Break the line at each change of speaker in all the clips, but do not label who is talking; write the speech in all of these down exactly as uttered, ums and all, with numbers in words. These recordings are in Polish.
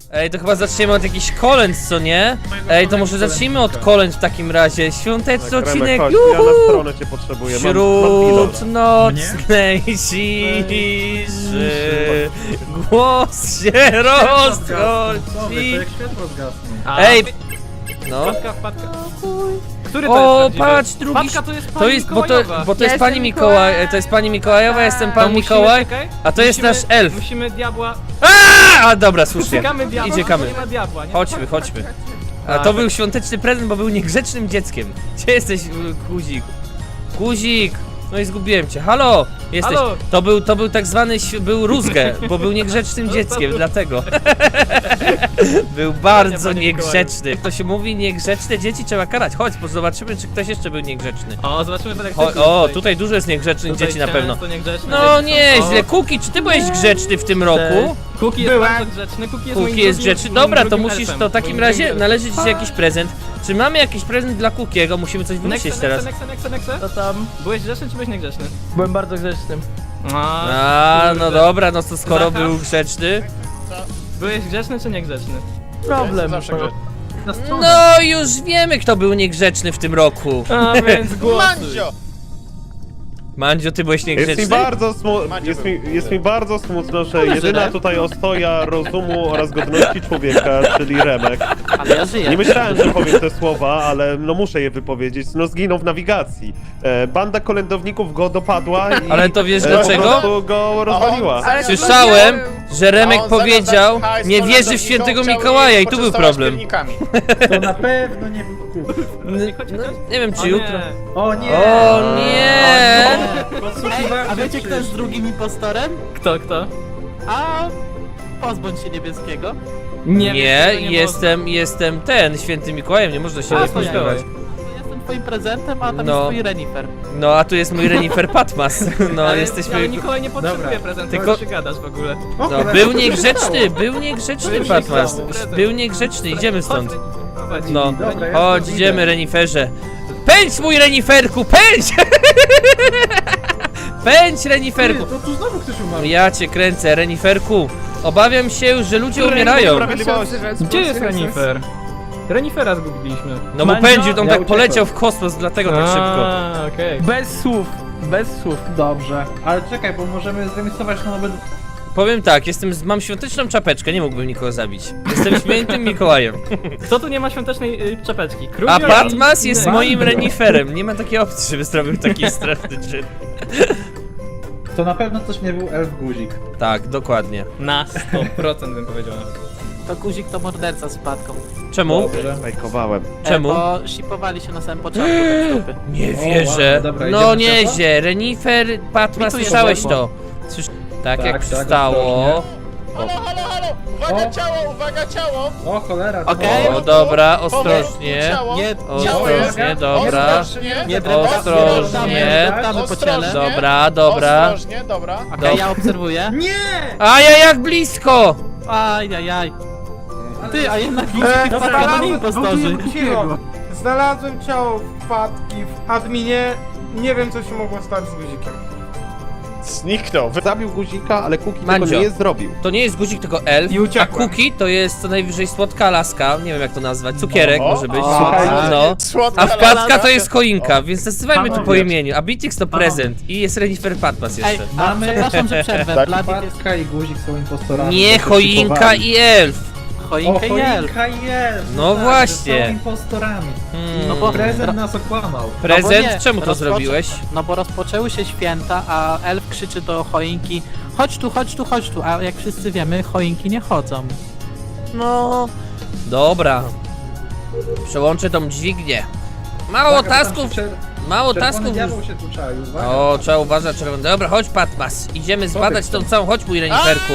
Ej, to chyba zaczniemy od jakichś kolęd, co nie? Ej, to może zacznijmy od kolęd w takim razie. Świąteczny
Tak,
odcinek,
Remek, chodź,
juhu!
ja na stronę cię potrzebuję. Mam,
Wśród
mam
nocnej ciszy głos się rozchodzi.
jak światło zgasną.
Ej, no.
Wpadka, wpadka. Który to jest
O,
prawdziwy?
patrz, drugi...
Wpadka to jest pani
To jest, bo to,
Mikołajowa.
bo to
Ja
jest pani
jestem
Mikołaj,
Mikołaj.
to jest pani Mikołajowa, ja jestem
To
pan
musimy,
Mikołaj,
czekaj,
a to jest
musimy-
nasz elf.
Musimy diabła...
A, a dobra, słusznie.
Szukamy diabła,
Idziemy.
bo nie ma diabła, nie?
Chodźmy, chodźmy. A
Tak.
to był świąteczny prezent, bo był niegrzecznym dzieckiem. Gdzie jesteś, y, Guzik? Guzik! No i zgubiłem cię. Halo! Jesteś.
Halo!
To był, to był tak zwany, ś- był rózgę, bo był niegrzecznym dzieckiem, dlatego. Był bardzo
panie
niegrzeczny. To się mówi, niegrzeczne dzieci trzeba karać. Chodź, bo zobaczymy, czy ktoś jeszcze był niegrzeczny.
O, zobaczymy w
Cho o, tutaj dużo jest niegrzecznych
Tutaj
dzieci na pewno.
często niegrzeczne
No
dzieci są.
nieźle.
O,
Kuki, czy ty byłeś grzeczny w tym roku?
Kuki jest
Byłem.
bardzo grzeczny, Kuki jest moim
Kuki jest
drugim-
grzeczny.
moim
Dobra, to
drugim
musisz,
elfem.
to w takim
Moim
razie
drugim
należy ci się jakiś prezent. Czy mamy jakiś prezent dla Kukiego? Musimy coś
elfem.
wymyślić
Nexe,
teraz.
Nexe, Nexe, Nexe, Nexe?
To tam.
Byłeś grzeczny czy byłeś niegrzeczny?
Byłem bardzo grzecznym.
A, no
kurde.
dobra, no to skoro
Zacha?
był grzeczny.
Byłeś grzeczny czy niegrzeczny?
Problem.
Zawsze grę.
Na stronę.
No już wiemy, kto był niegrzeczny w tym roku.
A więc głosuj.
Mandzio!
Mandzio, ty byłeś
Jest mi
niegrzeczny?
bardzo smutno, jest mi, jest mi bardzo smutno, że jedyna tutaj ostoja rozumu oraz godności człowieka, czyli Remek.
Ale ja żyję.
Nie myślałem, że powiem te słowa, ale no muszę je wypowiedzieć. No zginął w nawigacji. E, banda kolędowników go dopadła i
Ale to wiesz
e,
dlaczego?
po prostu go rozwaliła.
Ale
Słyszałem, że
A
Remek
on zamiast
powiedział,
dać hajs
nie wierzy w
kolędownikom,
świętego
chciał
Mikołaja
ich
i tu był
poczęstować
problem.
piernikami.
To na pewno nie był kup.
No, nie wiem,
O
czy jutro.
nie.
O nie!
O nie!
Podsłuchiwałem
A wiecie
się
kto jest drugim impostorem?
Kto, kto?
A pozbądź się niebieskiego.
Nie,
Nie,
tego nie
jestem, jestem ten, świętym Mikołajem, nie można się
A,
nie
to
spodziewać.
Jestem twoim prezentem, a tam
No.
jest twój renifer.
No, a tu jest mój renifer Patmas. No,
Ale,
jesteśmy...
ale Mikołaj nie potrzebuje
Dobra.
prezentu,
Tylko-
tylko gadasz w ogóle.
O,
No,
cholera,
był
co tu się
niegrzeczny,
stało?
był niegrzeczny
Był
Patmas.
niegrzeczny.
Był niegrzeczny, idziemy stąd.
Prowadź.
No,
Dobra, ja
chodź,
stąd
idziemy
idę.
reniferze. Pędź mój reniferku, pędź! Pędź
Ty,
reniferku!
to tu znowu ktoś umarł.
Ja cię kręcę, reniferku. Obawiam się, że ludzie umierają.
Sprawiedliwości.
Gdzie jest Renifer? Renifera zgubiliśmy.
No bo
Mandzio?
pędził, to on
Ja
tak
uciekłem.
poleciał w kosmos, dlatego tak szybko.
A, okej.
Bez słów. Bez słów.
Dobrze, ale czekaj, bo możemy zremisować na nowe...
Powiem tak, jestem, z- mam świąteczną czapeczkę, nie mógłbym nikogo zabić. Jestem świętym Mikołajem.
Kto tu nie ma świątecznej y, czapeczki? Król
A
i-
Patmas jest
Inny.
moim reniferem. Nie ma takiej opcji, żeby zrobił taki straszny czyn.
To na pewno też nie był elf guzik.
Tak, dokładnie.
Na sto procent bym powiedział.
To guzik to morderca z wpadką.
Czemu?
Dobrze.
Fejkowałem.
Czemu?
E, bo shipowali się na samym początku te stopy.
Nie
O,
wierzę.
ładnie, dobra,
No
idziemy
nieźle, renifer, Patmas,
Mi tu
słyszałeś
jest
to? Słysz... Tak,
Tak,
jak
tak,
przystało.
Halo, halo, halo! Uwaga
O.
ciało, uwaga ciało!
O cholera, to
Okej.
O, dobra, ostrożnie.
Ciało.
Nie,
Ciało jest.
Ostrożnie, dobra.
Ostrożnie.
Nie
Ostrożnie.
Damy po ciele.
Ostrożnie.
Dobra, dobra.
Ostrożnie, dobra.
Okej, ja obserwuję.
Nie!
A ja jak blisko!
Ajajaj. Ty, a jednak guzik
E,
i wpadka to nie impostorzy.
Cicho. Znalazłem ciało wpadki w adminie. Nie wiem, co się mogło stać z guzikiem.
Zniknął. Zabił guzika, ale Kuki
Mandzio.
tego nie zrobił.
To nie jest guzik, tylko elf,
I
a
uciekłem.
Cookie to jest co najwyżej słodka laska, nie wiem jak to nazwać, cukierek
O,
może być,
o,
słuchajcie, no.
Słodka
A wpadka
laska.
to jest choinka, więc nazywajmy to po
Panowie.
imieniu, a Bitix to prezent i jest Renifer Patmas
Ej,
jeszcze.
a,
Mamy-
przepraszam, że przerwę.
Tak.
Bladik jest
Wpadka i guzik są impostorami.
Nie,
to
choinka
szykowali.
i elf.
O,
choinkę i elf.
choinka i elf.
No
tak,
właśnie.
że Są impostorami.
Hmm.
No bo-
Prezent nas okłamał.
Prezent?
No bo nie,
Czemu to
rozpoczę-
zrobiłeś?
No bo rozpoczęły się święta, a elf krzyczy do choinki: chodź tu, chodź tu, chodź tu, a jak wszyscy wiemy, choinki nie chodzą.
No. Dobra. Przełączę tą dźwignię. Mało
Uwaga, bo tam
tasków,
się czer-
mało
Czerwony
tasków.
diabeł się tu czaił, uwaga.
O, trzeba uważać, czerwony. Dobra, chodź Patmas. Idziemy zbadać tą całą, chodź mój reniferku.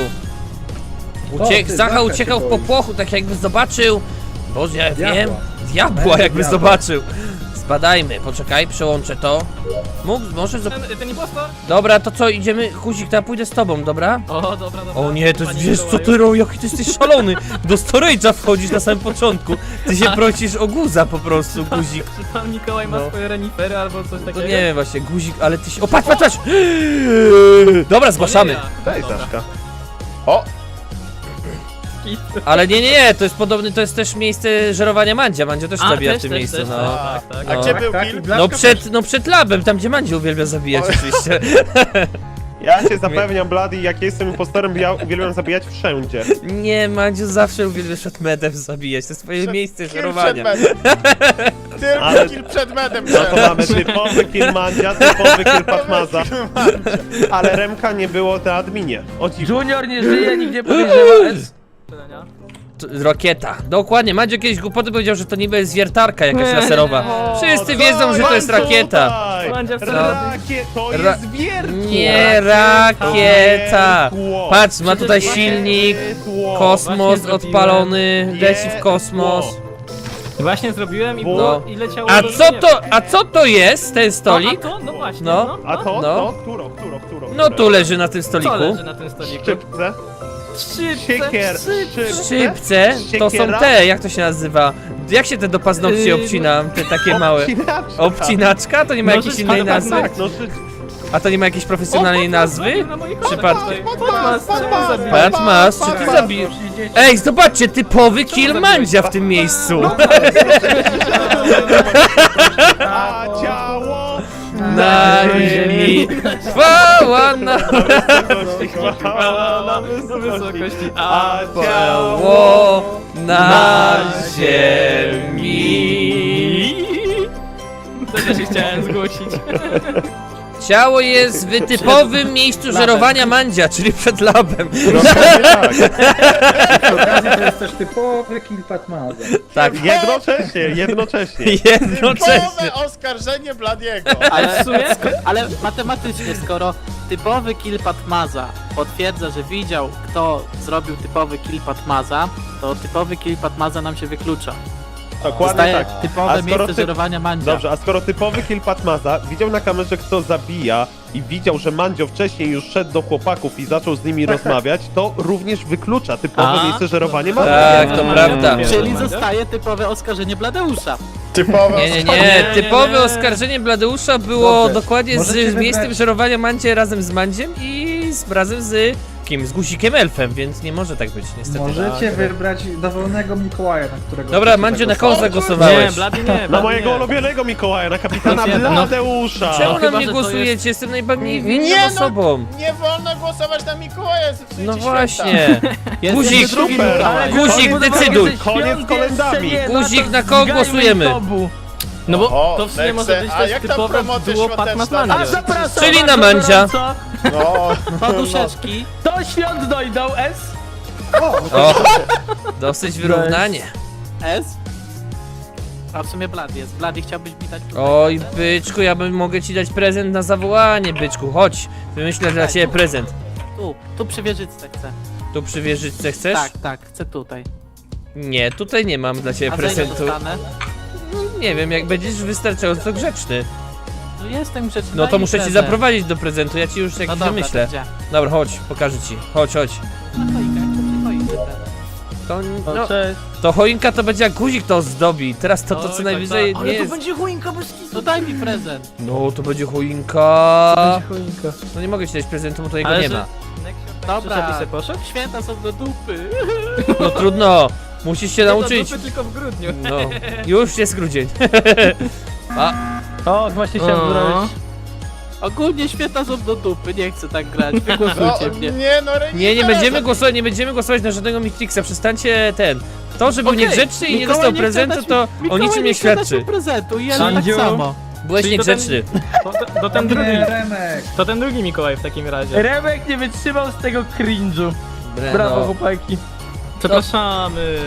Uciek,
ty,
Zacha
Zacha
uciekał
się
w
boi.
popłochu, tak jakby zobaczył. Boże, ja
Diabła.
wiem. Diabła
Będzie
jakby
diabła.
zobaczył. Zbadajmy, poczekaj, przełączę to. Mógł, może zob...
Ten, ten impostor?
Dobra, to co, idziemy, Guzik, to ja pójdę z tobą, dobra?
O, dobra, dobra.
O nie, to jest,
Panie
wiesz co
Mikołaju.
ty robisz, jaki ty jesteś szalony. Do storage'a wchodzisz na samym początku. Ty się prosisz o guza po prostu, Guzik.
Czy pan Mikołaj ma
No.
swoje renifery albo coś
To
takiego?
nie wiem właśnie, Guzik, ale ty się... O, patrz, patrz, patrz! Dobra, zgłaszamy.
O, nie ja.
Daj
Dobra.
Zaszka. O!
Ale nie, nie, nie, to jest podobny, to jest też miejsce żerowania Mandzia. Mandzio też
A,
zabija
też,
w tym
też,
miejscu,
też,
no.
tak, tak, tak.
A
No.
gdzie był
Tak,
kill?
i Blaszka
No
też.
przed, no przed labem, tam gdzie Mandzio uwielbia zabijać oczywiście.
Ja cię zapewniam, Blady, jak jestem impostorem, ja uwielbiam zabijać wszędzie.
Nie, Mandziu zawsze uwielbia przed medem zabijać, to jest twoje miejsce
Kill przed
żerowania.
medem. Tylko
Ale-
kill przed medem.
No to mamy typowy kill Mandzia, typowy kill Patmaza. Ale Remka nie było na adminie. O dziwo.
Junior nie żyje, nikt nie podejrzewa S.
To- Rakieta, dokładnie, Mandzio kiedyś głupoty powiedział, że to niby jest wiertarka jakaś laserowa. Wszyscy wiedzą, że to jest rakieta.
Mandzia wcale-
Rakiet, to
Ra-
jest wiertło.
Nie, rakieta.
Wiertło.
Patrz, ma tutaj silnik,
Wiertło.
kosmos
Właśnie zrobiłem.
odpalony, leci w kosmos.
Właśnie zrobiłem i,
No.
było, i leciało
A
do
co
nieba.
to, a co to jest, ten stolik?
No, a to? No właśnie,
No.
no.
A to,
No.
to, któro, któro, któro?
No tu leży na tym
Co
stoliku.
leży na tym stoliku?
Szczypce.
Szczypce,
Siekier.
Szczypce, to są
Siekiera?
te, jak to się nazywa? Jak się te do paznokci
Yy,
obcina, te takie małe?
Obcinaczka.
Obcinaczka? To nie ma
No,
jakiejś
że-
innej
tak,
nazwy?
Tak, no szy...
A to nie ma jakiejś profesjonalnej nazwy? Przypadkiem.
Patmas,
Patmas, czy ty zabijesz? Ej, zobaczcie, typowy kill Mandzia w tym miejscu.
A ciało
Na ziemi, chwała na
wysokości, chwała na wysokości.
wysokości.
A ciało
ciało na ziemi.
To też się chciałem zgłosić.
Ciało jest w typowym miejscu żerowania Mandzia, czyli przed labem.
Dokładnie tak.
Przy okazji to jest też typowy kill Patmaza.
Tak,
Jednocześnie, jednocześnie.
jednocześnie.
Typowe oskarżenie Bladiego.
Ale, ale matematycznie, skoro typowy kill Patmaza potwierdza, że widział, kto zrobił typowy kill Patmaza, to typowy kill Patmaza nam się wyklucza.
Dokładnie
Zostaje
tak.
typowe
A skoro
miejsce
ty-
żerowania Mandzia.
Dobrze, a skoro typowy kill Patmaza widział na kamerze, kto zabija i widział, że Mandzio wcześniej już szedł do chłopaków i zaczął z nimi rozmawiać, to również wyklucza typowe
A,
miejsce żerowania
to-
Mandzia.
Tak, to
No,
prawda.
no,
Czyli
Mandzia?
zostaje typowe oskarżenie Bladeusza.
Typowe
Nie, nie,
oskarżenie.
nie,
nie,
typowe
nie.
oskarżenie Bladeusza było
Dobrze.
dokładnie
Możecie
z
wybrać-
miejscem żerowania Mandzie razem z Mandziem i z, razem z kim? Z guzikiem elfem, więc nie może tak być niestety.
Możecie wybrać dowolnego Mikołaja, na którego...
Dobra,
chcecie
Mandziu, na
zagłosować.
kogo
Nie,
zagłosowałeś?
Blady nie,
Na
Blady
mojego
nie.
ulubionego Mikołaja, na kapitana
No,
Bladeusza.
Czemu na
chyba,
mnie
że to
głosujecie?
jest-
Jestem najbardziej winną
Nie, no,
osobą.
Nie wolno głosować na Mikołaja, zepsujecie
No
święta.
właśnie.
Jest
Guzik,
jeszcze drugi
super.
Mikołaj.
Guzik,
Koniec-
decyduj.
Koniec z kolendami.
Guzik, na kogo głosujemy?
No bo
O,
to w sumie może
Nexe,
być
a
też
jak tam
typowe
promocja
duo
świąteczna?
Patmas
A
Mandzio.
zapraszam
Czyli na
bardzo
Mandzia.
gorąco.
No,
Poduszeczki.
Do świąt dojdą S.
O, dosyć wyrównanie.
S. A w sumie Blady jest. Blady, chciałbyś mi dać...
Oj, byczku, ja bym mogę ci dać prezent na zawołanie, byczku. Chodź, wymyślę dla ciebie prezent.
Tu, tu przy wieżyczce chcę.
Tu przy wieżyczce chcesz?
Tak, tak, chcę tutaj.
Nie, tutaj nie mam dla ciebie
A za ile
prezentu.
dostanę?
Nie wiem, jak będziesz wystarczająco grzeczny.
No jestem grzeczny.
No
daj
to
mi
muszę ci
prezent.
zaprowadzić do prezentu, ja ci już
No
jakiś
dobra,
wymyślę.
to gdzie?
Dobra, chodź, pokażę ci. Chodź, chodź.
Na choinkę, przy choince teraz.
To,
No,
no,
cześć.
to choinka to będzie jak guzik to zdobi. Teraz to, to co
Oj, tak,
najwyżej
tak.
nie
Ale to
jest.
będzie choinka bez kitu.
No daj mi prezent.
No to będzie choinka.
Będzie choinka.
No nie mogę ci dać prezentu, bo to jego
Ale
nie
że-
ma.
Dobra.
Dobra. Żeby se poszedł?
Święta są do dupy.
No trudno, musisz się
Nie,
nauczyć.
to dupy tylko w grudniu.
No, już jest grudzień. A,
O, właśnie chciałem
O.
zrobić.
Ogólnie święta są do dupy, nie chcę tak grać. Wygłosujcie
no
mnie.
nie, no Renifer,
nie, nie będziemy
za-
głosować, nie będziemy głosować na żadnego Mitrixa, przestańcie ten. To, że był
Okej,
niegrzeczny i nie
Mikołaj
dostał
nie chce
prezentu,
dać
to
mi-
o
Mikołaj
niczym
nie
nie
chce dać mi
świadczy.
prezentu i ja
Sandziu?
tak samo.
Byłeś
Czyli to ten-
niegrzeczny.
To, to, to ten drugi.
Nie, Remek.
To ten drugi Mikołaj w takim razie.
Remek nie wytrzymał z tego cringe'u.
Bre,
Brawo,
no.
chłopaki.
Przepraszamy.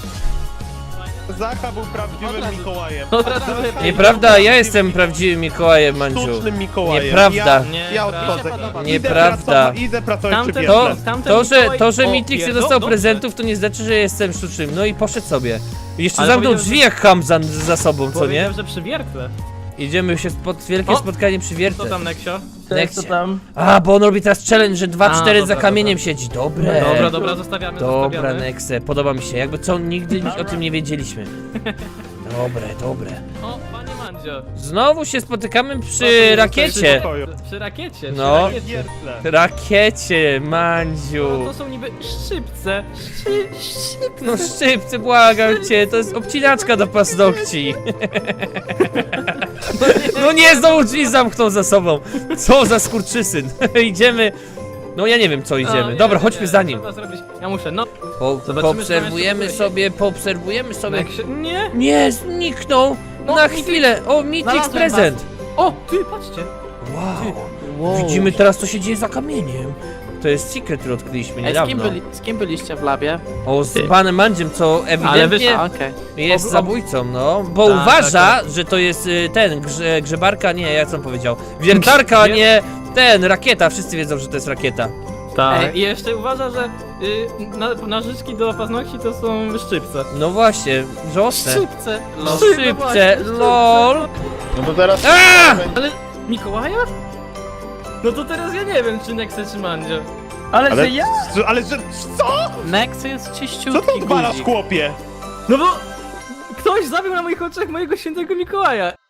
Zacha był prawdziwym
Od razu.
Mikołajem.
Od razu
Zacha
lepiej.
Nieprawda, ja jestem prawdziwym Mikołajem, Mandziu.
sztucznym Mikołajem.
Nieprawda.
Ja,
Nie,
ja
prawda.
odchodzę.
Mi się podoba.
Idę
Nieprawda.
pracować- Idę pracować przy
Tamten-
To,
wieżce.
Tamten
to, że,
Mikołaj-
to, że
o,
Mitrix nie
pierdol-
dostał
dobrze.
prezentów, to nie znaczy, że jestem sztucznym. No i poszedł sobie. Jeszcze
Ale
zamknął
powiedział,
drzwi jak Hamzan za sobą, co nie?
Powiedział, że przy wiertle.
Idziemy się spod, wielkie
O!
spotkanie przy
Co
wiertle.
tam, Neksio?
Cześć, co
Nekcie.
tam?
A, bo on robi teraz challenge, że dwa
A,
cztery
dobra,
za kamieniem siedzi. Dobre.
Dobra, dobra, zostawiamy,
Dobra,
zostawiamy.
Nexe, podoba mi się. Jakby co, nigdy o tym nie wiedzieliśmy. Dobre, dobre.
O, panie Mandziu. Mandzio.
Znowu się spotykamy
No,
przy
to
rakiecie.
Pokoju.
Przy rakiecie,
No.
przy rakiecie.
Wiertle.
Rakiecie,
No,
Mandziu.
to są niby szczypce. Szy, szczypce.
No szczypcy, błagam cię, to jest obcinaczka do paznokci. No nie, znowu drzwi zamknął za sobą. Co za skurczysyn. Idziemy. No ja nie wiem co
O,
idziemy.
nie,
Dobra,
nie,
chodźmy
nie,
za nim.
Trzeba zrobić. Ja muszę, no.
Po,
Zobaczymy,
poobserwujemy
czy tam
sobie, poobserwujemy
no
sobie.
jak się... Nie.
Nie, zniknął.
No,
Na
Mitrix.
chwilę. O, Mitrix
Znalazłem
prezent.
O, ty, patrzcie.
Wow.
Wow.
Widzimy teraz co się dzieje za kamieniem. To jest secret, który odkryliśmy
Ej, z, kim
niedawno.
byli, z kim byliście w labie?
O, z panem Mandziem, co ewidentnie
A, okej.
jest
Ob- ob-
zabójcą, no. Bo
Tak,
uważa,
tak,
że to jest y, ten, grze, grzebarka, nie, jak on powiedział. Wiertarka, a
Nie.
nie ten, rakieta. Wszyscy wiedzą, że to jest rakieta.
Tak.
Ej.
I jeszcze uważa, że y, na, narzyczki do paznokci to są szczypce.
No właśnie, żałosne.
Szybce. Los.
Szybce,
właśnie,
lol.
No to teraz...
A!
Ale Mikołaja? No to teraz ja nie wiem, czy Nexe, czy Mandzio.
Ale,
Ale,
że ja?
ale że co?
Nex jest
Co
czyściutki
to odwalasz,
guzik.
chłopie?
No bo ktoś zabił na moich oczach mojego świętego Mikołaja.